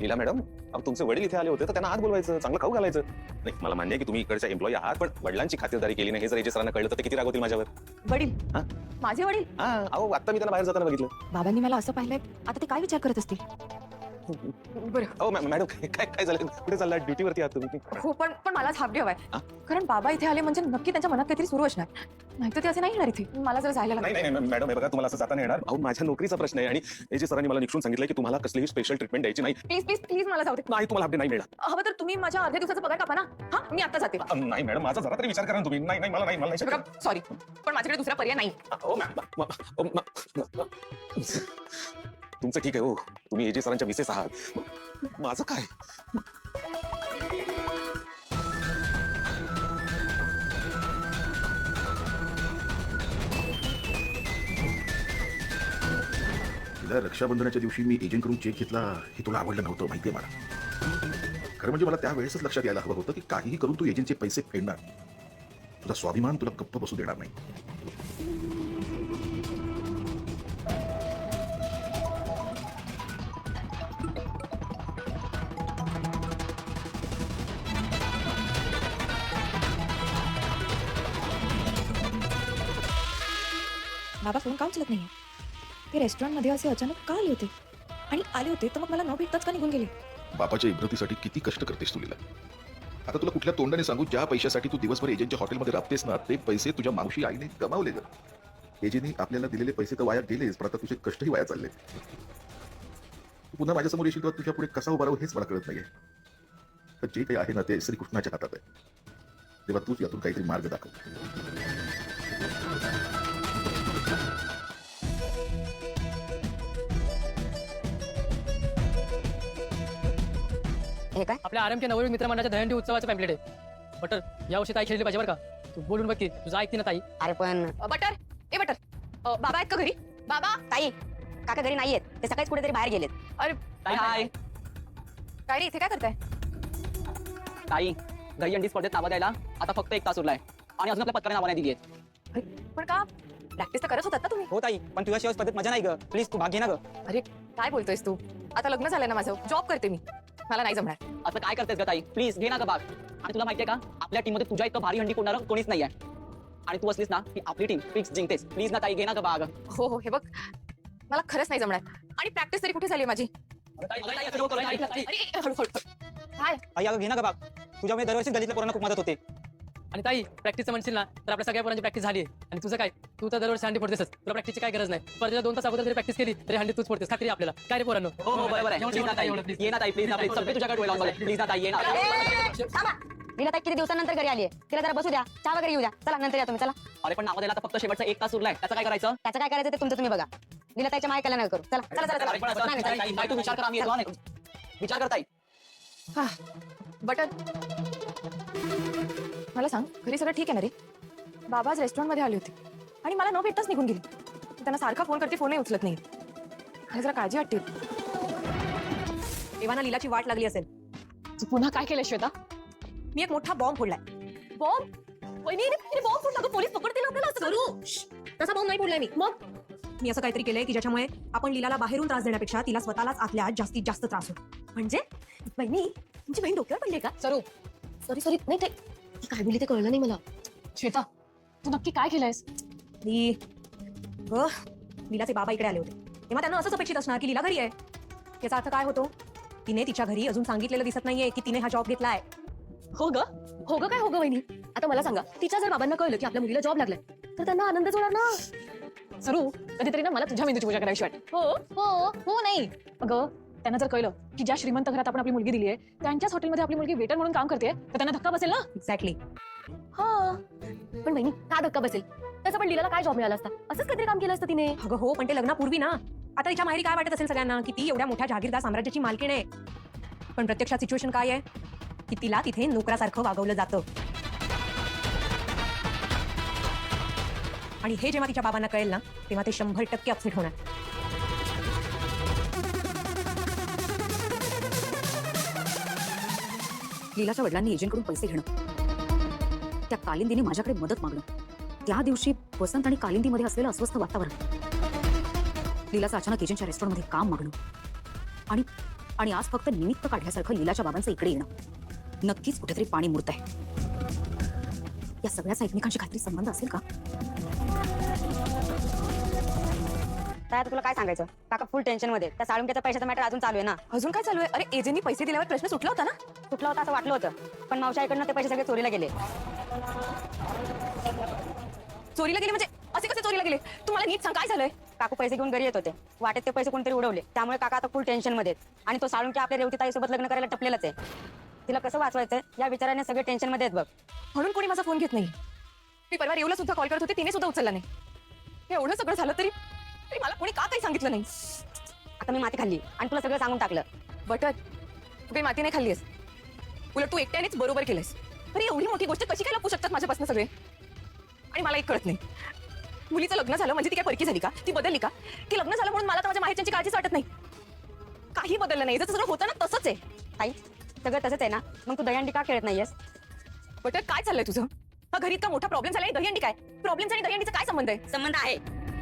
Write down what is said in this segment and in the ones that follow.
लीला madam, अहो तुमचे वडील इथे आले होते तर त्यांना आत बोलवायचं, चांगलं खाऊ घालायचं. नाही मला मान्य आहे की तुम्ही इकडच्या एम्प्लॉई आहात, पण वडिलांची खातिरदारी केली नाही हे जर एजे सरांना कळलं तर ते किती रागवतील माझ्यावर. वडील? हा? माझे वडील? हा, अहो आता मी त्यांना बाहेर जाताना बघितलं. बाबांनी मला असं पाहिलंय, आता ते काय विचार करत असतील? बरं. अहो मॅडम, काय काय झालं, कुठे चालला, ड्युटीवरती आहात तुम्ही? हो, पण मलाच हाफ डे हवाय. हा? कारण बाबा इथे आले म्हणजे नक्की त्यांच्या मनात काहीतरी सुरू असणार. नाहीतर ते असे नाही येणार इथे. मला जर जायला नाही लागलं. नाही मॅडम, हे बघा तुम्हाला असं जाता नाही येणार. अहो माझ्या नोकरीचा प्रश्न आहे आणि एजे सरांनी मला निक्षून सांगितलं की तुम्हाला कसलीही स्पेशल ट्रीटमेंट द्यायची नाही. प्लीज प्लीज प्लीज मला जाऊ दे. नाही तुम्हाला अपडेट नाही मिळणार. हवं तर तुम्ही माझ्या अर्ध्या दिवसाचा पगार कापा ना. हा, मी आता जाते. नाही मॅडम, माझा जरा तरी विचार करा ना तुम्ही. नाही नाही मला नाही शक्य. सॉरी, पण माझ्याकडे दुसरा पर्याय नाही. हो तुमचं ठीक आहे. हो तुम्ही एजे सरांच्या मिसेस आहात, माझं काय? तिला रक्षाबंधनाच्या दिवशी मी एजंटकडून चेक घेतला हे तुला आवडलं नव्हतं, माहितीये मला. खरं म्हणजे मला त्यावेळेसच लक्षात यायला हवं होतं की काहीही करून तू एजंटचे पैसे फेडणार. तुझा स्वाभिमान तुला गप्प बसू देणार नाही. बाबा फोन काम चलत नाहीये. ते रेस्टॉरंटमध्ये असे अचानक का आले होते? आणि आले होते तर मग मला न भेटताच का निघून गेले? बापाच्या इब्रतीसाठी किती कष्ट करतेस तुला. आता तुला कुठल्या तोंडाने सांगू, ज्या पैशासाठी तू दिवसभर एजंटच्या हॉटेलमध्ये राबतेस ना, ते पैसे तुझ्या मावशी आईने कमावले. एजंटने आपल्याला दिलेले पैसे तर वाया गेलेच, पण आता तुझे कष्टही वाया चालले. तू पुन्हा माझ्यासमोर येशील तेव्हा तुझ्या पुढे कसा उभा राहू हेच मला कळत नाहीये. तर जे काही आहे ना ते श्रीकृष्णाच्या हातात आहे. तेव्हा तूच यातून काहीतरी मार्ग दाखव. हे काय? आपल्या आरएमके नववीन मित्रमंडळाच्या दहंडी उत्सवाचं पॅम्पलेट आहे. बटर यावर्षी ताई खेळली पाहिजे बरं का. तू बोलून बघ की तुझं ऐकते ना ताई. अरे पण बटर, ए बटर, बाबा आहेत का घरी? बाबा? ताई, काका घरी नाहीयेत, ते सकाळीच कुठेतरी बाहेर गेलेत. अरे ताई हाय. काय रे, इथे काय करताय? ताई दहीहंडी स्पर्धेत नावं द्यायला आता फक्त 1 तास उरलाय आणि अजून आपल्या पत्काने नावं नाही दिली आहेत. अरे, पण का? प्रॅक्टिस तर करत होतात ना तुम्ही? हो ताई, पण तुझ्याशिवाय स्पर्धेत मजा नाही ग. प्लीज तू भाग घे ना ग. अरे काय बोलतोयस तू? आता लग्न झालंय ना माझं, जॉब करते मी, मला नाही जमणार. असं काय करतेस ग ताई? प्लीज घे ना ग भाग. आणि तुला माहितीये का, आपल्या टीम मध्ये तुझ्या इतकं भारी हंडी कोणाला कोणीच नाहीये. आणि तू असलीस ना की आपली टीम फिक्स जिंकतेस. प्लीज ना ताई घे ना ग भाग. हो हो, हे बघ मला खरंच नाही जमणार. आणि प्रॅक्टिस तरी कुठे झाली माझी? अरे हळूहळू. काय? ताई अगं घे ना ग भाग. तुझ्यामुळे दरवर्षी गलीतल्या पोरांना खूप मदत होते. आणि ताई प्रॅक्टिसचं म्हणशील ना तर आपल्या सगळ्या पोरांची प्रॅक्टिस झाली. आणि तुझं काय, तू तर दरवर्षी हंडी फोडतेसच. तुला प्रॅक्टिसची काय गरज नाही. स्पर्धेच्या 2 तास अगोदर जरी प्रॅक्टिस केली तरी हंडी तूच फोडतेस. खात्री आपल्याला. काय रे पोरांनो? हो हो बरोबर आहे. प्लीज ना ताई, ये ना ताई, प्लीज ना प्लीज. सगळे तुझ्याकडे डोळे लावून. प्लीज ना ताई, ये ना. थांबा. लीला ताई किती दिवसानंतर घरी आली आहे. तिला जरा बसू द्या, चहा वगैरे येऊ द्या. चला नंतर या तुम्ही. चला. अरे पण नावं द्यायला आता फक्त शेवटचा 1 तास उरलाय. त्याचं काय करायचं? त्याचं काय करायचं ते तुमचं तुम्ही बघा. लीला ताईच्या मायकाला नका करू. चला चला चला अरे पण असं- चला. नाही, नाही, ताई, तू विचार कर, आम्ही येतो. नाही. विचार कर ताई. हा, बटर मला सांग, घरी सगळं ठीक आहे ना रे? बाबा आज रेस्टॉरंटमध्ये आले होते आणि मला न भेटताच निघून गेले. त्यांना सारखा फोन करते, फोनही उचलत नाही. मला जरा काळजी वाटते. एव्हाना लीलाची वाट लागली असेल. तू पुन्हा काय केलं श्वेता? मी एक मोठा बॉम्ब फोडलाय. बॉम्ब? बॉम्ब फोडला? पोलीस पकडतील आपल्याला. तसा बॉम्ब नाही फोडलाय मी. मग मी असं काहीतरी केलंय की ज्याच्यामुळे आपण लीलाला बाहेरून त्रास देण्यापेक्षा तिला स्वतःलाच आतल्या आत जास्तीत जास्त त्रास होतो. म्हणजे बहिणी, तुमची बहीण डोक्यावर पडली का? सरू, सॉरी नाही, ते ती काय बोलली ते कळलं नाही मला. श्वेता, तू नक्की काय केलंयस? लीलाचे बाबा इकडे आले होते तेव्हा त्यांना असंच अपेक्षित असणार की लीला घरी आहे. याचा अर्थ काय होतो? तिने तिच्या घरी अजून सांगितलेलं दिसत नाहीये की तिने हा जॉब घेतलाय. हो ग काय हो ग वहिनी? आता मला सांगा, तिच्या जर बाबांना कळलं की आपल्या मुलीला जॉब लागलाय तर त्यांना आनंदच होणार ना. सरू, कधीतरी ना मला तुझ्या मेंदूची पूजा करायची वाटते. हो हो हो नाही अगं, त्यांना जर कळलं की ज्या श्रीमंत घरात आपण आपली मुलगी दिली आहे त्यांच्याच हॉटेलमध्ये आपली मुलगी वेटर म्हणून काम करते तर त्यांना धक्का बसेल ना. एक्झॅक्टली. हा, पण बहिणी का धक्का बसेल? त्याचा पण लीलाला काय जॉब मिळाला असता? असंच काहीतरी काम केलं असतं तिने. अगं हो, पण ते लग्नापूर्वी ना. आता तिच्या माहेरी काय वाटत असेल सगळ्यांना की ती एवढ्या मोठ्या जहागीरदार साम्राज्याची मालकीण आहे. पण प्रत्यक्षात सिच्युएशन काय आहे की तिला तिथे नोकरासारखं वागवलं जातं. आणि हे जेव्हा तिच्या बाबांना कळेल ना तेव्हा ते 100% अपसेट होणार. लीलाच्या वडिलांनी एजंटकडून पैसे घेणं, त्या कालिंदीने माझ्याकडे मदत मागणं, त्या दिवशी वसंत आणि कालिंदीमध्ये असलेलं अस्वस्थ वातावरण, लीलाचं अचानक एजंटच्या रेस्टॉरंटमध्ये काम मागणं आणि आणि आज फक्त निमित्त काढल्यासारखं लीलाच्या बाबांचं इकडे येणं नक्कीच कुठेतरी पाणी मुरत आहे. या सगळ्याचा एकमेकांशी काहीतरी संबंध असेल का? काय आता तुला काय सांगायचं, काका फुल टेन्शन मध्ये. त्या साळुंक्याचा पैशाचा मॅटर अजून चालू आहे ना. अजून काय चालू आहे? अरे एजंटनी पैसे दिल्यावर प्रश्न सुटला होता ना. कुठला होता असं वाटलं होतं, पण मावशाईकडनं ते पैसे सगळे चोरीला गेले. चोरीला गेले म्हणजे असे कसे चोरीला गेले? तुम्हाला नीट सांग काय झालंय? काकू पैसे घेऊन घरी येत होते, वाटेत ते पैसे कोणतरी उडवले. त्यामुळे काका आता फुल टेन्शन मध्ये आहेत. आणि तो साळुंक्या आपल्या रेवतीताईसोबत लग्न करायला टपलेलाच आहे. तिला कसं वाचवायचं या विचाराने सगळे टेन्शन मध्ये आहेत बघ. म्हणून कोणी माझा फोन घेत नाही. मी परवा रेवला सुद्धा कॉल करत होते, तिने सुद्धा उचलला नाही. हे एवढं सगळं झालं तरी मला कोणी का काही सांगितलं नाही? आता मी माती खाल्ली आणि तुला सगळं सांगून टाकलं. बटर तू काही माती नाही खाल्लीस, उलट तू एकट्यानेच बरोबर केलंस. अरे एवढी मोठी गोष्ट कशी काय लपू शकतात माझ्यापासून सगळे? आणि मला एक कळत नाही, मुलीचं लग्न झालं म्हणजे ती काय परकी झाली का? ती बदलली का? की लग्न झालं म्हणून मला तर माझ्या माहेरच्यांची काळजीच वाटत नाही. काही बदललं नाही, जसं सगळं होतं ना तसंच आहे. ताई सगळं तसंच आहे ना, मग तू दहीहंडी का खेळत नाहीयेस? बटर काय चाललंय तुझं? हा घरी इतका मोठा प्रॉब्लेम झाला आणि दहीहंडी काय? प्रॉब्लेम आणि दहीहंडीचा काय संबंध आहे? संबंध आहे.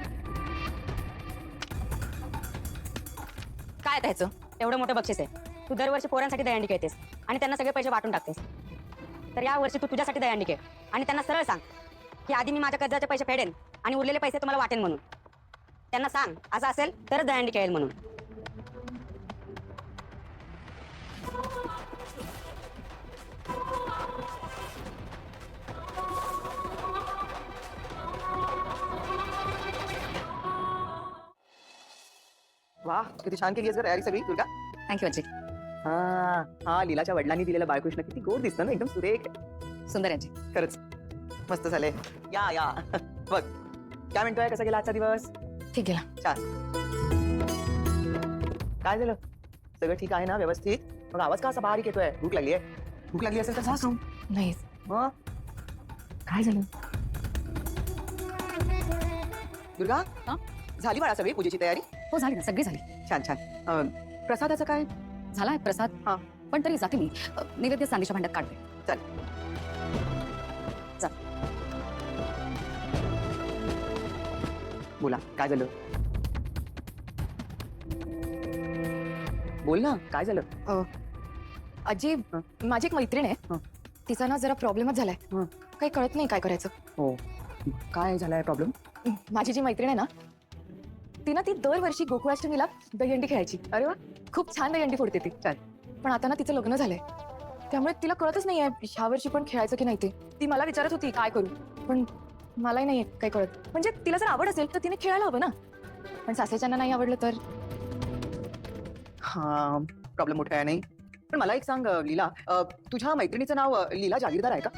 काय त्याचं? एवढं मोठं बक्षीस आहे. तू दरवर्षी पोरांसाठी दहीहंडी खेळतेस आणि त्यांना सगळे पैसे वाटून टाकतेस. तर या वर्षी तू तुझ्यासाठी दहीहंडी खेळ आणि त्यांना सरळ सांग की आधी मी माझ्या कर्जाचे पैसे फेडेन आणि उरलेले पैसे तुम्हाला वाटेन म्हणून. त्यांना सांग असं असेल तरच दहीहंडी खेळेल म्हणून. वा किती छान केली आहेस तयारी सगळी दुर्गा. थँक्यू आजी. हा हा लीलाच्या वडिलांनी दिलेला बाळकृष्ण किती गोड दिसतं ना, एकदम सुरेख. सुंदर आजी. खरंच मस्त झालंय. या या बघ काय म्हणतोय, कसा गेला आजचा दिवस? ठीक गेला. काय झालं, सगळं ठीक आहे ना व्यवस्थित? मग आवाज का असा बारीक येतोय? भूक लागली आहे? भूक लागली असेल तर जा खाऊन. नाही मग काय झालं? दुर्गा हा? झाली बाळा सगळी पूजेची तयारी? हो झाली ना, सगळी झाली. छान छान. प्रसादाचं काय? झाला आहे प्रसाद. हा. पण तरी जाते मी. नैवेद्य चांदीच्या भांड्यात काढते. चल चल. बोला काय झालं? बोल ना काय झालं? आजी माझी एक मैत्रीण आहे, हं. तिचा ना जरा प्रॉब्लेमच झालाय. हं. काही कळत नाही काय करायचं. हो काय झालाय प्रॉब्लेम? माझी जी मैत्रीण आहे ना ती दरवर्षी गोकुळाष्टमीला दहीहंडी खेळायची. अरे वा. खूप छान दहीहंडी फोडते ती. छान. पण आता ना तिचं लग्न झालंय, त्यामुळे तिला कळतच नाहीये ह्या वर्षी पण खेळायचं की नाही ते. ती मला विचारत होती काय करू, पण मलाही नाही काही कळत. म्हणजे तिला जर आवड असेल तर तिने खेळायला हवं ना, पण सासऱ्यांना नाही आवडलं तर? हा प्रॉब्लेम मोठा आहे नाही. पण मला एक सांग लीला, तुझ्या मैत्रिणीचं नाव लीला जागीरदार आहे का?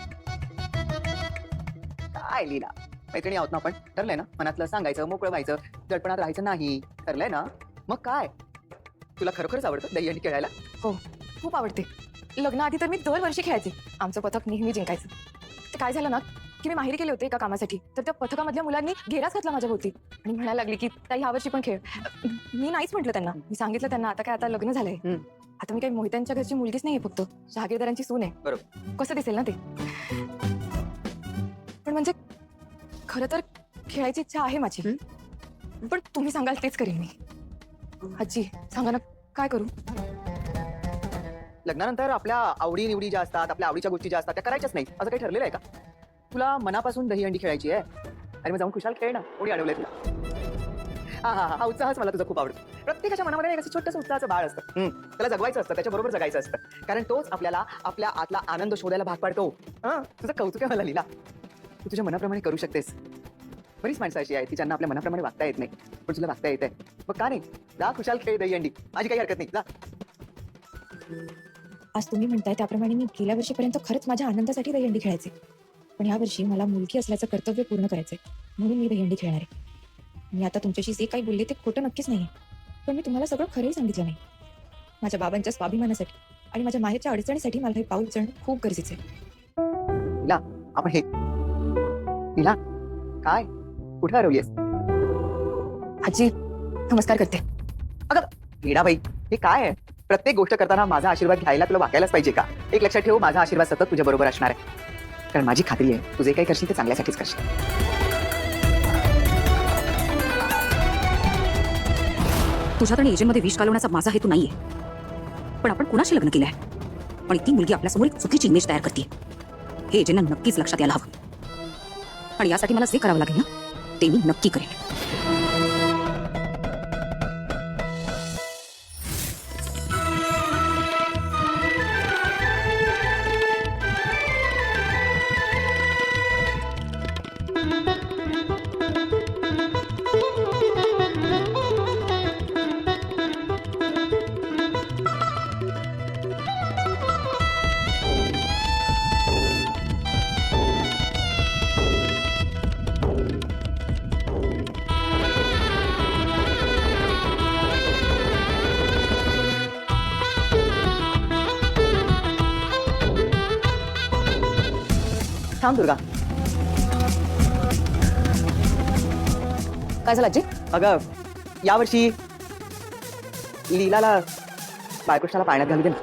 काय लीला, मैत्रिणी आहोत ना आपण, ठरलंय ना मनातलं सांगायचं, मोकळं व्हायचं, दडपणात राहायचं नाही, ठरलंय ना? मग काय तुला खरोखरच आवडतं दहीहंडी खेळायला? हो खूप आवडते. लग्नाआधी तर मी दरवर्षी खेळायचे, आमचं पथक नेहमी जिंकायचं. ते काय झालं ना की मी माहेरी गेले होते एका कामासाठी, तर त्या पथकामधल्या मुलांनी घेराच घातला माझ्या भोवती आणि म्हणायला लागली की ताई ह्या वर्षी पण खेळ. मी नाहीच म्हटलं त्यांना. मी सांगितलं त्यांना आता काय, आता लग्न झालंय, आता मी काही मोहित्यांच्या घरची मुलगीच नाहीये, फक्त जहागीरदारांची सून आहे. बरोबर. कसं दिसेल ना ते. पण म्हणजे खरं तर खेळायची इच्छा आहे माझी, पण तुम्ही सांगाल तेच करीन मी. आजी सांगा ना काय करू? लग्नानंतर आपल्या आवडी निवडी ज्या असतात, आपल्या आवडीच्या गोष्टी ज्या असतात त्या करायच्याच नाही, असं काही ठरलेलं आहे का? तुला मनापासून दहीहंडी खेळायची आहे, अरे मग जाऊन खुशाल खेळ ना. कोणी अडवलंय तुला? हा उत्साहच मला तुझा खूप आवडतो. प्रत्येकाच्या मनामध्ये एक असं छोटंसं उत्साहाचं बाळ असतं, त्याला जगवायचं असतं, त्याच्याबरोबर जगायचं असतं, कारण तोच आपल्याला आपल्या आतला आनंद शोधायला भाग पाडतो. तुझं कौतुक आहे मला लीला, तू तुझ्या मनाप्रमाणे करू शकतेस. बरीच माणसं अशी आहेत की ज्यांना आपल्या मनाप्रमाणे वागता येत नाही, पण तुला वागता येत आहे. मग का नाही, जा खुशाल खेळ दहीहंडी, माझी काही हरकत नाही, जा. आज तुम्ही म्हणताय त्याप्रमाणे मी गेल्या वर्षीपर्यंत खरंच माझ्या आनंदासाठी दहीहंडी खेळायचे, पण या वर्षी मला मुलगी असल्याचं कर्तव्य पूर्ण करायचंय, म्हणून मी दहीहंडी खेळणार आहे. मी आता तुमच्याशी जे काही बोलले ते खोटं नक्कीच नाही, पण मी तुम्हाला सगळं खरंही सांगितलं नाही. माझ्या बाबांच्या स्वाभिमानासाठी आणि माझ्या माहेरच्या अडचणीसाठी मला हे पाऊल उचलणं खूप गरजेचं आहे. लीला आपण हे, लीला काय कुठे हरवलीस? आजी नमस्कार करते. अगं लीलाबाई हे काय आहे? प्रत्येक गोष्ट करताना माझा आशीर्वाद घ्यायला तुला वाकायलाच पाहिजे का? एक लक्षात ठेव, माझा आशीर्वाद सतत तुझ्या बरोबर असणार आहे, कारण माझी खात्री आहे तू जे काही करशील ते चांगल्यासाठीच करशील. तुझ्यात आणि एजंटमध्ये विष घालवण्याचा माझा हेतू नाहीये. पण आपण कुणाशी लग्न केलंय आणि ती मुलगी आपल्यासमोर एक चुकीची इमेज तयार करते हे एजेंना नक्कीच लक्षात यायला हवं आणि यासाठी मला जे करावं लागेल ना ते मी नक्की करेन. थांब दुर्गा. काय झालं आजी? अगं यावर्षी लीलाला बाळकृष्णाला पाण्यात घालू दे ना.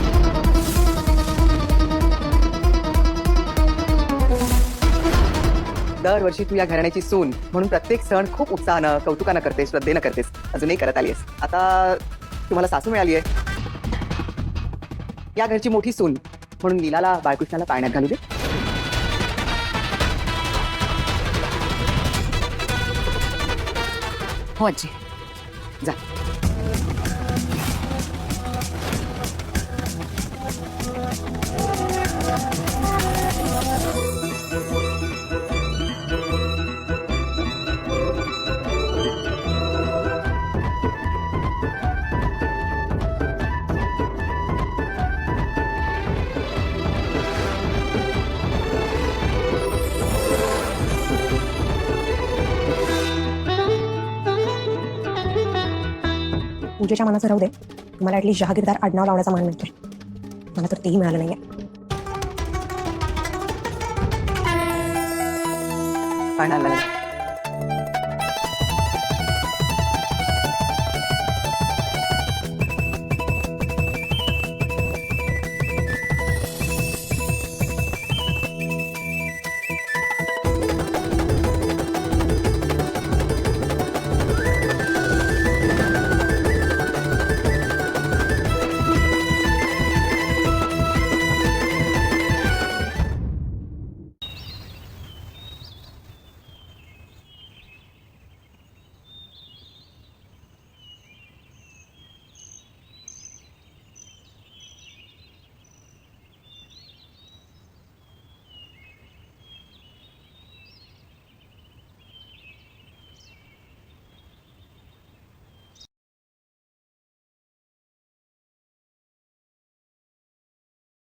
दरवर्षी तू या घराण्याची सून म्हणून प्रत्येक सण खूप उत्साहानं कौतुकानं करतेस, श्रद्धेनं करतेस. अजूनही करत आलीस. आता तुम्हाला सासू मिळाली आहे, या घरची मोठी सून म्हणून लीलाला बाळकृष्णाला पाण्यात घालू दे. हो आजी. जा. पूजेच्या मनाचं राहू दे, तुम्हाला ऍटलीस्ट जहागीरदार आडनाव लावण्याचा मान मिळतोय. मला तर तेही मिळालं नाहीये. पाण्याला